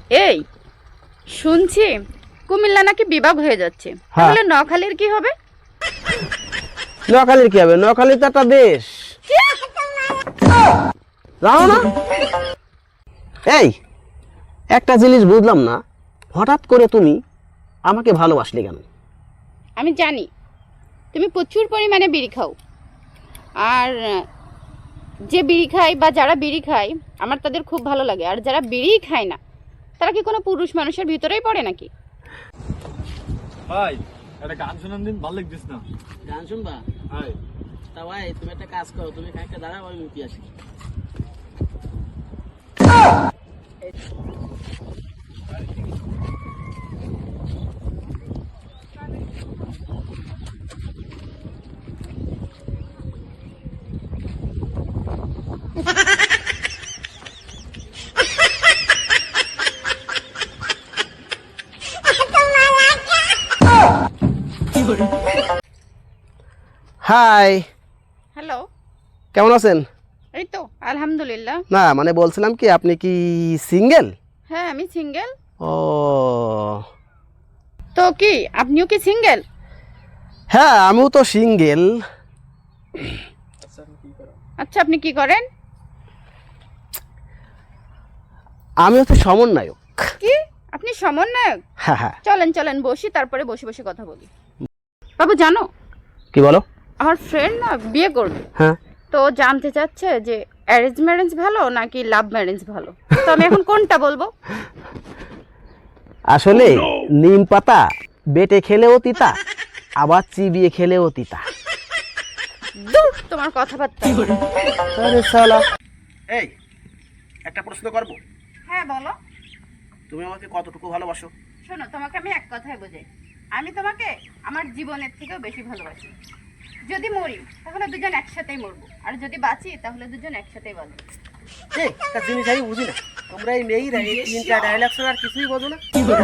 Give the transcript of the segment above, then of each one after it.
এই শুনছি কুমিল্লা নাকি বিভাগ হয়ে যাচ্ছে, তাহলে নোয়াখালীর কি হবে? নোয়াখালীর কি হবে? নোয়াখালী তো একটা দেশ, জানো না? এই একটা জিনিস বুঝলাম না, হঠাৎ করে তুমি আমাকে ভালোবাসলে কেন? আমি জানি তুমি প্রচুর পরিমাণে বিড়ি খাও, আর যে বিড়ি খায় বা যারা বিড়ি খায় আমার তাদের খুব ভালো লাগে, আর যারা বিড়ি খায় না তারা কি কোনো পুরুষ মানুষের ভিতরেই পড়ে নাকি? ভাই একটা গান শোনান দিন, ভালো লাগছিস না? গান শুনবা? ভাই তা ভাই তুমি একটা কাজ করো, তুমি খাইতে দাঁড়াও, আমি মুতি আসি। হাই, হ্যালো, কেমন আছেন? এই তো আলহামদুলিল্লাহ। না মানে বলছিলাম কি, আপনি কি সিঙ্গেল? হ্যাঁ আমি সিঙ্গেল। ও তো কি আপনিও কি সিঙ্গেল? হ্যাঁ, আমিও তো সিঙ্গেল। আচ্ছা আপনি কি করেন? আমি হচ্ছে সমন্বয়ক। কি আপনি সমন্বয়ক? হ্যাঁ হ্যাঁ। চলেন চলেন বসি, তারপরে বসে বসে কথা বলি। বাবু জানো, কি বলো? আমার ফ্রেন্ড না বিয়ে করবে, হ্যাঁ, তো জানতে চাচ্ছে যে অ্যারেঞ্জ ম্যারেজ ভালো নাকি লাভ ম্যারেজ ভালো, তো আমি এখন কোনটা বলবো? আসলে নিম পাতা বেটে খেলেও তিতা, আবার চিবিয়ে খেলেও তিতা। দূর তোমার কথাবার্তা। আরে শালা। এই একটা প্রশ্ন করব? হ্যাঁ বলো। তুমি আমাকে কতটুকু ভালোবাসো? শোনো, তোমাকে আমি এক কথায় বোঝাই, আমি তোমাকে আমার জীবনের থেকেও বেশি ভালোবাসি। যদি মরি তাহলে দুজন একসাথেই মরবো, আর যদি বাঁচি তাহলে দুজন একসাথেই বাঁচবো। এই একটা জিনিস আমি বুঝি না, তোমরা এই মেয়েরা এই তিনটা ডায়লগ ছাড়া আর কিছুই বোঝো না।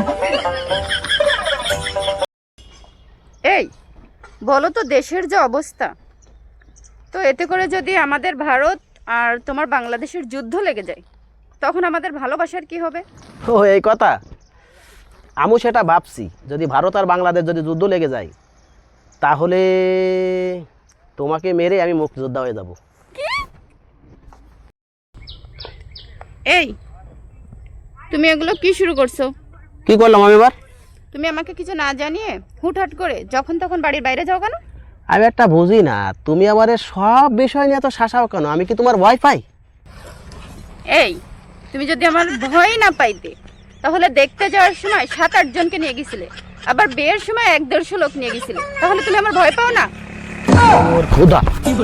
এই বলো তো, দেশের যে অবস্থা, তো এতে করে যদি আমাদের ভারত আর তোমার বাংলাদেশের যুদ্ধ লেগে যায়, তখন আমাদের ভালোবাসার কি হবে? ও এই কথা, আমি সেটা ভাবছি, যদি ভারত আর বাংলাদেশ যদি যুদ্ধ লেগে যায়, তাহলে তোমাকে মেরে আমি মুক্তিযোদ্ধা হয়ে যাব। এই তুমি এগুলো কি শুরু করছো? কি করলাম আমি এবার? তুমি আমাকে কিছু না জানিয়ে হুটহাট করে যখন তখন বাড়ির বাইরে যাও কেন? আমি একটা বুঝি না, তুমি আমার সব বিষয় নিয়ে এত শাসাও কেন? আমি কি তোমার ভয় পাই? এই তুমি যদি আমার ভয় না পাইতে, তাহলে দেখতে যাওয়ার সময় 7-8 জনকে নিয়ে গেছিলে, আবার বিয়ের সময় 1-150 লোক নিয়ে গেছিলে, তাহলে তুমি আমার ভয় পাও না? ওর খোদা।